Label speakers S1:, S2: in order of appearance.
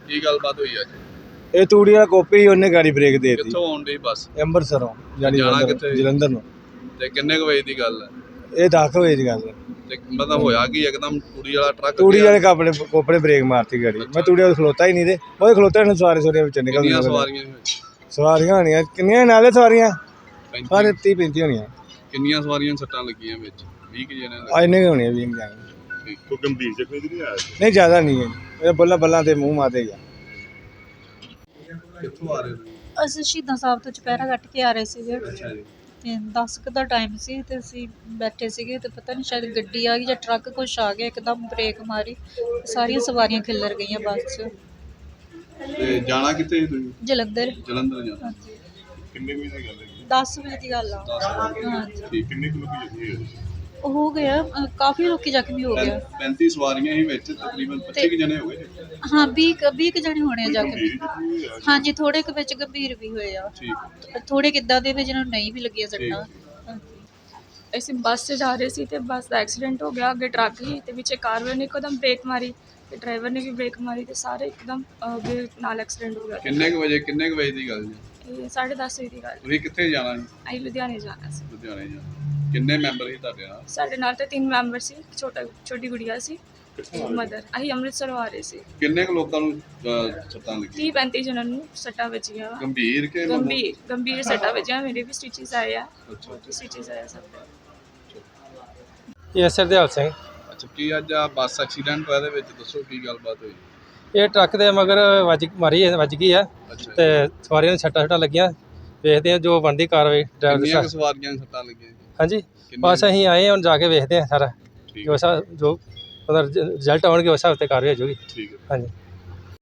S1: ਕੀ ਗੱਲਬਾਤ ਹੋਈ ਅੱਜ?
S2: ਇਹ ਤੂੜੀ ਵਾਲਾ ਕੋਪੀ ਉਹਨੇ ਗਾੜੀ ਬ੍ਰੇਕ ਦੇ ਦਿੱਤੀ।
S1: ਕਿੱਥੋਂ ਆਉਣ ਡਈ ਬੱਸ?
S2: ਅੰਮ੍ਰਿਤਸਰੋਂ ਜਾਣੀ
S1: ਜਾਣਾ ਕਿੱਥੇ?
S2: ਜਲੰਧਰ ਨੂੰ।
S1: ਤੇ ਕਿੰਨੇ ਕੁ ਵਜੇ ਦੀ ਗੱਲ ਹੈ?
S2: ਇਹ 10 ਵਜੇ ਦੀ ਗੱਲ ਹੈ।
S1: ਤੇ ਮਤਲਬ ਹੋਇਆ ਕੀ ਇੱਕਦਮ ਤੂੜੀ ਵਾਲਾ ਟਰੱਕ
S2: ਤੂੜੀ ਵਾਲੇ ਕੋਪੜੇ ਬ੍ਰੇਕ ਮਾਰਤੀ ਗਾੜੀ। ਮੈਂ ਤੂੜੀ ਵਾਲੇ ਖਲੋਤਾ ਹੀ ਨਹੀਂ ਤੇ ਉਹ ਖਲੋਤੇ ਨੇ ਸਵਾਰੀਆਂ ਵਿੱਚ ਨਿਕਲ
S1: ਕਿੰਨੀਆਂ ਸਵਾਰੀਆਂ ਸੀ?
S2: ਸਵਾਰੀਆਂ ਹੋਣੀਆਂ ਕਿੰਨੀਆਂ ਨਾਲੇ ਸਵਾਰੀਆਂ ਸਾਰੇ 30-35 ਹੋਣੀਆਂ।
S1: ਕਿੰਨੀਆਂ ਸਵਾਰੀਆਂ ਸੱਟਾਂ ਲੱਗੀਆਂ ਵਿੱਚ? 20 ਕਿ ਜਣੇ
S2: ਇੰਨੇ ਹੋਣੀਆਂ 20 ਜਾਣੇ।
S1: ਕੋਈ ਗੰਭੀਰ ਜ਼ਖਮੀ ਨਹੀਂ ਆਇਆ?
S2: ਨਹੀਂ ਜ਼ਿਆਦਾ ਨਹੀਂ ਹੈ। ਇਹ ਬੱਲਾਂ ਤੇ ਮੂੰਹ ਮਾਤੇ ਗਿਆ।
S1: ਕਿੱਥੋਂ ਆ ਰਹੇ ਨੇ?
S3: ਅਸੀਂ ਸ਼ਹੀਦਾਂ ਸਾਹਿਬ ਤੋਂ ਚੁਪਹਿਰਾ ਕੱਟ ਕੇ ਆ ਰਹੇ ਸੀਗੇ
S1: ਅੱਛਾ ਜੀ।
S3: ਤੇ 10 ਕੁ ਦਾ ਟਾਈਮ ਸੀ ਤੇ ਅਸੀਂ ਬੈਠੇ ਸੀਗੇ ਤੇ ਪਤਾ ਨਹੀਂ ਸ਼ਾਇਦ ਗੱਡੀ ਆ ਗਈ ਜਾਂ ਟਰੱਕ ਕੁਛ ਆ ਗਿਆ, ਇੱਕਦਮ ਬ੍ਰੇਕ ਮਾਰੀ, ਸਾਰੀਆਂ ਸਵਾਰੀਆਂ ਖਿੱਲਰ ਗਈਆਂ ਬੱਸ 'ਚ।
S1: ਤੇ ਜਾਣਾ ਕਿੱਥੇ ਸੀ ਤੁਸੀਂ?
S3: ਜਲੰਧਰ।
S1: ਜਲੰਧਰ ਜਾਣਾ।
S3: ਹਾਂਜੀ,
S1: ਕਿੰਨੇ ਵਜੇ ਦੀ ਗੱਲ ਹੈ?
S3: 10 ਵਜੇ ਦੀ ਗੱਲ ਆ।
S1: 10 ਵਜੇ।
S3: ਹਾਂਜੀ,
S1: ਠੀਕ। ਕਿੰਨੇ ਕੁ ਲੋਕੀ ਜ਼ਖਮੀ ਹੋਏ?
S3: ਉਹ ਹੋ ਗਿਆ ਕਾਫੀ ਲੋਕੀ ਜ਼ਖਮੀ ਹੋ ਗਿਆ।
S1: 35 ਸਵਾਰੀਆਂ ਹੀ ਵਿੱਚ, ਤਕਰੀਬਨ 25 ਕੁ ਜਣੇ ਹੋ ਗਏ ਜੀ।
S3: ਹਾਂ 20 ਕੁ ਜਣੇ ਹੋਣੇ ਆ ਜ਼ਖਮੀ। ਹਾਂਜੀ, ਥੋੜੇ ਕੁ ਵਿੱਚ ਗੰਭੀਰ ਵੀ ਹੋਏ ਆ,
S1: ਠੀਕ।
S3: ਥੋੜੇ ਕਿੱਦਾਂ ਦੇ ਵੀ ਜਿਹਨਾਂ ਨੂੰ ਨਹੀਂ ਵੀ ਲੱਗੀਆਂ ਸੱਟਾਂ।
S4: ਅਸੀਂ ਬੱਸ 'ਚ ਜਾ ਰਹੇ ਸੀ ਤੇ ਬੱਸ ਦਾ ਐਕਸੀਡੈਂਟ ਹੋ ਗਿਆ। ਅੱਗੇ ਟਰੱਕ ਸੀ ਤੇ ਵਿੱਚ ਕਾਰ ਵਾਲੇ ਨੇ ਇੱਕਦਮ ਬ੍ਰੇਕ ਮਾਰੀ ਤੇ ਡਰਾਈਵਰ ਨੇ ਵੀ ਬ੍ਰੇਕ ਮਾਰੀ ਤੇ ਸਾਰੇ ਇੱਕਦਮ ਅੱਗੇ ਨਾਲ ਐਕਸੀਡੈਂਟ ਹੋ ਗਿਆ।
S1: ਕਿੰਨੇ ਕੁ ਵਜੇ ਦੀ ਗੱਲ ਜੀ?
S4: ਇਹ 10:30 ਵਜੇ ਦੀ ਗੱਲ।
S1: ਤੁਸੀਂ ਕਿੱਥੇ ਜਾਣਾ ਜੀ?
S4: ਅਸੀਂ ਲੁਧਿਆਣੇ ਜਾਣਾ ਸੀ।
S1: ਲੁਧਿਆਣੇ ਜਾਣਾ। ਕਿੰਨੇ ਮੈਂਬਰ ਸੀ ਤੁਹਾਡੇ ਨਾਲ?
S4: ਸਾਡੇ ਨਾਲ ਤਾਂ 3 ਮੈਂਬਰ ਸੀ, ਛੋਟੀ ਗੁੜੀਆ ਸੀ, ਮਦਰ। ਅਸੀਂ ਅੰਮ੍ਰਿਤਸਰੋਂ ਆ ਰਹੇ ਸੀ।
S1: ਕਿੰਨੇ ਕੁ ਲੋਕਾਂ ਨੂੰ ਸੱਟਾਂ ਲੱਗੀਆਂ?
S4: 30-35 ਜਣਾਂ ਨੂੰ ਸੱਟਾਂ ਵੱਜੀਆਂ ਵਾ।
S1: ਗੰਭੀਰ ਕਿ
S4: ਗੰਭੀਰ ਸੱਟਾਂ ਵੱਜੀਆਂ। ਮੇਰੇ ਵੀ ਸਟਿਚਸ ਆਏ ਆ।
S1: ਅੱਛਾ।
S4: ਸਟਿਚਸ ਆਏ ਆ ਸਭ ਦੇ।
S5: ਇਹ ਸਰਦੇਵ ਸਿੰਘ।
S1: ਅੱਛਾ, ਕੀ ਅੱਜ ਆ ਬੱਸ ਐਕਸੀਡੈਂਟ ਹੋਇਆ? ਇਹਦੇ ਵਿੱਚ ਦੱਸੋ ਕੀ ਗੱਲਬਾਤ ਹੋਈ?
S5: ਇਹ ਟਰੱਕ ਦੇ ਮਗਰ ਵੱਜ ਗਈ ਆ
S1: ਅੱਛਾ।
S5: ਤੇ ਸਵਾਰੀਆਂ ਨੂੰ ਛੱਟਾਂ ਲੱਗੀਆਂ। ਵੇਖਦੇ ਆ ਜੋ ਬਣਦੀ ਕਾਰਵਾਈ ਡਰਾਈਵਰ
S1: ਕਿੰਨੀਆਂ ਕੁ
S5: ਸਾਹਿਬ।
S1: ਸਵਾਰੀਆਂ ਨੂੰ ਸੱਟਾਂ ਲੱਗੀਆਂ ਜੀ?
S5: ਹਾਂਜੀ, ਬਸ ਅਸੀਂ ਆਏ ਹੁਣ ਜਾ ਕੇ ਵੇਖਦੇ ਆ ਸਾਰਾ
S1: ਠੀਕ
S5: ਜੋ ਉਹਦਾ ਰਿਜ਼ਲਟ ਆਉਣਗੇ ਉਸ ਹਿਸਾਬ ਤੇ ਕਾਰਵਾਈ ਹੋ ਜਾਊਗੀ।
S1: ਠੀਕ ਹੈ।
S5: ਹਾਂਜੀ।